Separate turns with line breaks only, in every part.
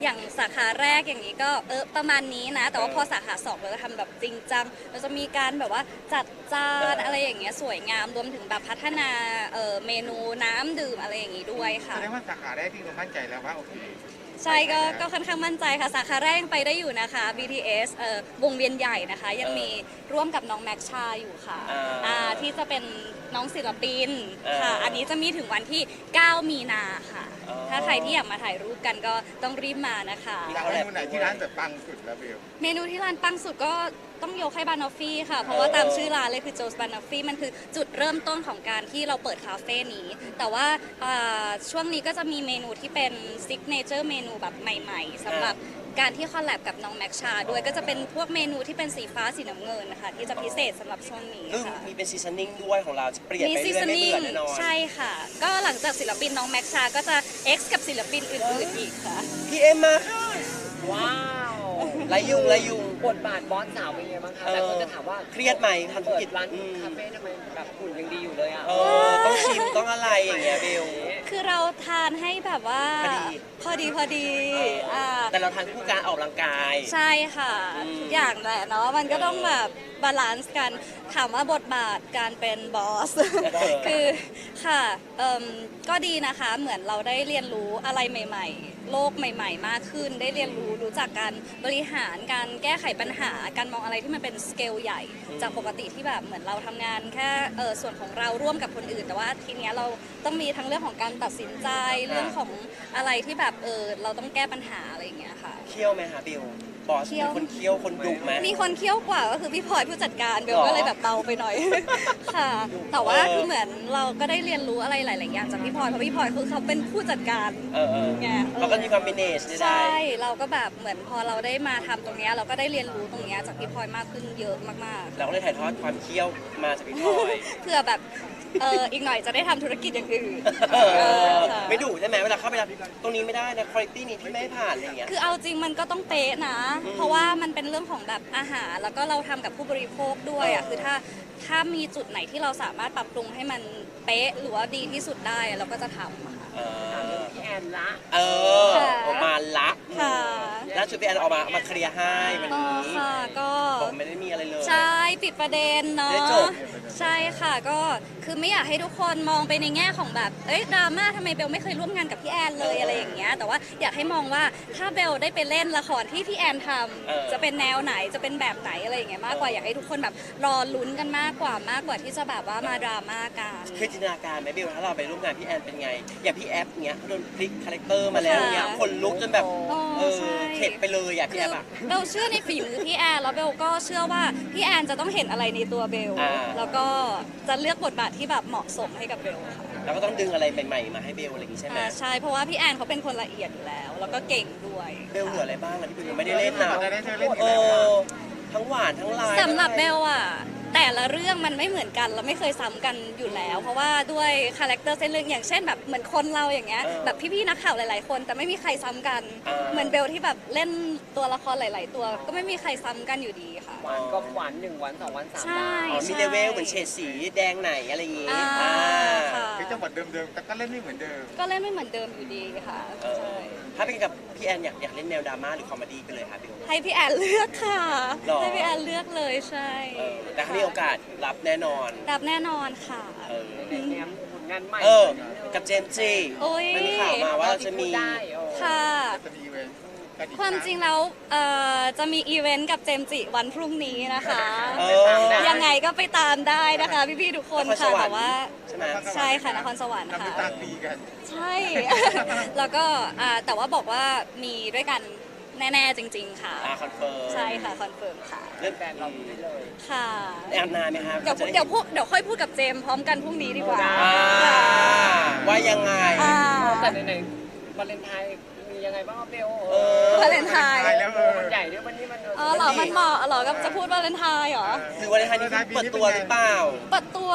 อย่างสาขาแรกอย่างนี้ก็ประมาณนี้นะแต่ว่าพอสาขา2เราจะทำแบบจริงจังเราจะมีการแบบว่าจัดจานอะไรอย่างเงี้ยสวยงามรวมถึงแบบพัฒนาเมนูน้ำดื่มอะไรอย่างงี้ด้วยค่ะ
แสดงว่าสาขาแรกที่เรามั่นใจแล้วว่าโอเค
ใช่ก็ค่อนข้างมั่นใจค่ะสาขาแรกยังไปได้อยู่นะคะ BTS วงเวียนใหญ่นะคะยังมีร่วมกับน้องแม็กชาอยู่ค่ะที่จะเป็นน้องศิลปินค่ะอันนี้จะมีถึงวันที่ 9 มีนาค่ะถ้าใครที่อยากมาถ่ายรูปกันก็ต้องรีบมานะคะ
เมนูไหนที่ร้านแบบปังสุดแล้วเบล
เมนูที่ร้านปังสุดก็ต้องยกให้บานอฟฟี่ค่ะเพราะว่าตามชื่อร้านเลยคือโจสบานอฟฟี่มันคือจุดเริ่มต้นของการที่เราเปิดคาเฟ่นี้แต่ว่าช่วงนี้ก็จะมีเมนูที่เป็นซิกเนเจอร์เมนูแบบใหม่ๆสำหรับการที่คอลแลบกับน้องแม็กชาด้วยก็จะเป็นพวกเมนูที่เป็นสีฟ้าสีน้ำเงินนะคะที่จะพิเศษสำหรับช่วงนี้ค่ะ
มีเป็นซีซันนิ่งด้วยของเราจะเปลี่ยนไปเรื่อยๆไม่เบื่อแน่นอน
ใช่ค่ะก็หลังจากศิลปินน้องแม็กชาก็จะ X กับศิลปินอื่นๆอีกค่ะ
พี่เอ็มมาค่ะ
ว้าว
ไรยุง
บทบาทบอสสาวเป็นไงบ้างคะแต่คนจะถามว่า
เครียดไหมทำธุรกิจ
ร้านคาเฟ่ทำไมแบบหุ่นยังดีอยู่เลยอ่ะ
ต้องชิมต้องอะไรอย่างเงี้ยเบล
คือเราทานให้แบบว่าพอดี
แต่เราทานคู่การออกกำลังกาย
ใช่ค่ะทุกอย่างแหละเนาะมันก็ต้องแบบบาลานซ์กันถามว่าบทบาทการเป็นบอสคือค่ะก็ดีนะคะเหมือนเราได้เรียนรู้อะไรใหม่ๆโลกใหม่ๆมากขึ้นได้เรียนรู้จักการบริหารการแก้ไขปัญหาการมองอะไรที่มันเป็นสเกลใหญ่จากปกติที่แบบเหมือนเราทำงานแค่ส่วนของเราร่วมกับคนอื่นแต่ว่าทีเนี้ยเราต้องมีทั้งเรื่องของการตัดสินใจเรื่องของอะไรที่แบบเราต้องแก้ปัญหาอะไรอย่างเงี้ยค่ะ
เคี่ยวไหมคะเบลบอสมีคนเคี่ยวคนดุไหม
มีคนเคี่ยวกว่าก็คือพี่พลอยผู้จัดการเบลก็เลยแบบเบาไปหน่อยค่ะแต่ว่าคือเหมือนเราก็ได้เรียนรู้อะไรหลายๆอย่างจากพี่พลอยเพราะพี่พลอยคือเขาเป็นผู้จัดการ
ไงเราก็มีความเป็นเนส
ใช่เราก็แบบเหมือนพอเราได้มาทำตรงนี้เราก็ได้เรียนรู้ตรงนี้จากพี่พลอยมากขึ้นเยอะมาก
ๆเราก็เลยถ่ายทอดความเคี่ยวมาจากพี่พลอย
เพื่อแบบอีกหน่อยจะได้ทำธุรกิจอย่างอื่น
ไม่ดุใช่ไหมเวลาเข้าไปตรงนี้ไม่ได้นะคุณภาพนี้ที่ไม่ผ่านอะไรเงี้ย
คือเอาจริงมันก็ต้องเป๊ะนะเพราะว่ามันเป็นเรื่องของแบบอาหารแล้วก็เราทำกับผู้บริโภคด้วยอ่ะคือถ้ามีจุดไหนที่เราสามารถปรับปรุงให้มันเป๊ะหรือว่าดีที่สุดได้เราก็จะทำค่ะ
พี่แอนละ
ออกมาละ
ค่ะ
ล่าสุดพี่แอนออกมาเคลียร์ให้วันนี้
ค่ะก็
บอกไม่ได้มีอะไรเลย
ใช่ปิดประเด็นเนาะใช่ค่ะก็คือไม่อยากให้ทุกคนมองไปในแง่ของแบบดราม่าทำไมเบลไม่เคยร่วมงานกับพี่แอนเลยอะไรอย่างเงี้ยแต่ว่าอยากให้มองว่าถ้าเบลได้ไปเล่นละครที่พี่แอนทำจะเป็นแนวไหนจะเป็นแบบไหนอะไรอย่างเงี้ยมากกว่าอยากให้ทุกคนแบบรอลุ้นกันมากกว่าที่จะแบบว่ามาดราม่ากัน
คือจินตนาการไหมเบลถ้าเราไปร่วมงานพี่แอนเป็นไงอย่างพี่แอฟเงี้ยโดนพลิกคาแรคเตอร์มาแล้วเงี้ยคนลุกจนแบบเข็ดไปเลยพี่แอฟอะ
เบลเชื่อในฝีมือพี่แอนแล้วเบลก็เชื่อว่าพี่แอนจะต้องเห็นอะไรในตัวเบลแล้วก็จะเลือกบทบาทที่แบบเหมาะสมให้กับเบลค่ะ
แล้วก็ต้องดึงอะไรใหม่ๆมาให้เบลอะไรอย่างงี้ใช่ไหม
ใช่เพราะว่าพี่แอนเขาเป็นคนละเอียดอยู่แล้วแล้วก็เก่งด้วย
เบลเหลืออะไรบ้างที่เบลยังไม่ได้เล่นนะทั้งหวานทั้งลาย
สำหรับเบลอะแต่ละเรื่องมันไม่เหมือนกันเราไม่เคยซ้ำกันอยู่แล้วเพราะว่าด้วยคาแรคเตอร์เส้นเรื่องอย่างเช่นแบบเหมือนคนเราอย่างเงี้ยแบบพี่ๆนักข่าวหลายๆคนแต่ไม่มีใครซ้ำกันเหมือนเบลที่แบบเล่นตัวละครหลายๆตัวก็ไม่มีใครซ้ำกันอยู่ดีค่ะ
หวานก็หวาน1 วัน2 วัน3
ใช่
มีเลเวลเหมือนเฉดสีแดงไหนอะไรอย่างงี้
คือจังหวัดเดิมๆแต่ก็เล่นไม่เหมือนเดิม
ก็เล่นไม่เหมือนเดิมอยู่ดีค่ะ
ถ้าเป็นกับพี่แอนอยากเล่นแนวดราม่าหรือคอมเมดี้ไปเลยค่ะเบล
ให้พี่แอนเลือกค่ะให้พี่แอนเลือกเลยใช่
แต่ถ้ามีโอกาสรับแน่นอน
ค่ะ
งานใหม่
กับเจมส์จีมันมีข่าวมาว่าจะมี
ค่ะความจริงแล้วจะมีอีเวนต์กับเจมส์จิวันพรุ่งนี้นะคะยังไงก็ไปตามได้นะคะพี่ๆทุกคนค่ะแต่ว่าใช่ค่ะนครสวรรค์ค่ะใช่แล้วก็แต่ว่าบอกว่ามีด้วยกันแน่ๆจริงๆค่ะ
คอนเฟิร์ม
ใช่ค่ะคอนเฟิร์มค่ะ
เรื่องแฟนเราได้เลย
ค่ะ
แอนนานไหมครับ
เดี๋ยวค่อยพูดกับเจมพร้อมกันพรุ่งนี้ดีกว่า
ว่ายังไง
แต่ในวาเลนไทน์มียังไงบ้างเบล
วาเลนไทน์
มันใหญ่ด้วยวันนี้มัน
เหรอมันเหมาะเหรอกับจะพูดวาเลนไทน์เหรอ
หรือวาเลนไทน์นี่เปิดตัวหรือเปล่า
เปิดตัว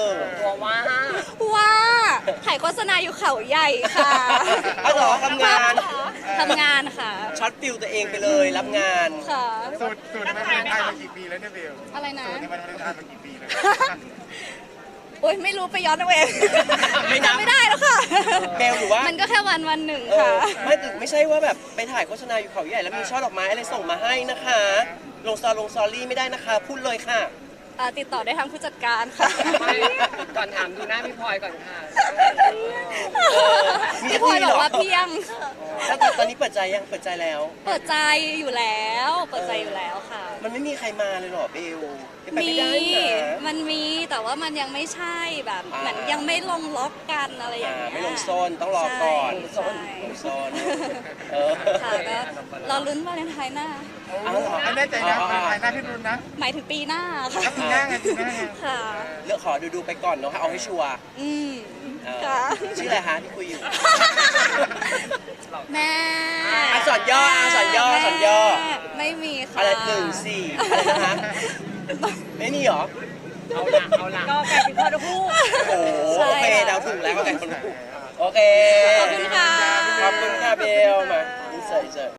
ว่า
ถ่ายโฆษณาอยู่เขาใหญ่ค่ะ
เหรอทำง
านค่ะ
ช็อตฟิลตัวเองไปเลยรับงาน
ค่ะ
สูตรในวาเลนไทน์มากี่ปีแล้วเนี่ยเบล
อะไรนะ
สูตรในวาเลนไทน์มากี่ปีแล้ว
โอ๊ยไม่รู้ไปย้อนเอาเอง
ไม่นับ
จำไม่ได้แล้วค่ะ
เบลหรือว่า
มันก็แค่วันหนึ่ง
เอ
ค่ะ
อไม่ใช่ว่าแบบไปถ่ายโฆษณาอยู่เขาใหญ่แล้วมีช่อดอกไม้อะไรส่งมาให้นะคะ ลงซอรี่ไม่ได้นะคะ พูดเลยค่ะ
ติดต่อได้ทางผู้จัดการค่ะ
ไม่ก่อนถามดูหน้าพี่พลอยก่อนค่ะ
เออมี
พี่พลอย
เหร
บอกว่าเพียง
แล้วตอนนี้เปิดใจยังเปิดใจแล้ว
เปิดใจอยู่แล้ว เปิดใจอยู่แล้วค่ะ
มันไม่มีใครมาเลยเหรอเบลไป
มี
ไม่ได้นะ
มันมีแต่ว่ามันยังไม่ใช่แบบ
อ่า
เหมือนยังไม่ลงล็อกกันอะไรอย่างเงี้ย
ไม่ลงโซนต้องรอก่อน
ใช่
ลงโซนเออ
ค่ะก็รอลุ้นวาเลนไทน์หน้า
เอาเหรอ
อันแน่ใจนะภายหน้าพี่รุ่นนะ
หมายถึงปีหน้าค่ะ
แล้วปีหน้าไงปีหน้าไง
ค่ะ
เลือกขอดูไปก่อนเนาะให้เอาให้ชัวร์
อืม
เออ
ค่ะ
ชื่ออะไรคะที่คุยอยู่
แม่
สอนย่อสอนย่อสอนย่อ
แม่ไม่มีค่ะ
อะไร14อะไรนะคะไม่มีเหรอ
เอาละก็แฟนเป็นพ่อทั้งคู่
โอ้โหโอเคเดาถูกแล้วก็แต่คนถูกโอเค
ขอบคุณค่ะ
ขอบคุณค่ะเบลมาอินเสิร์ต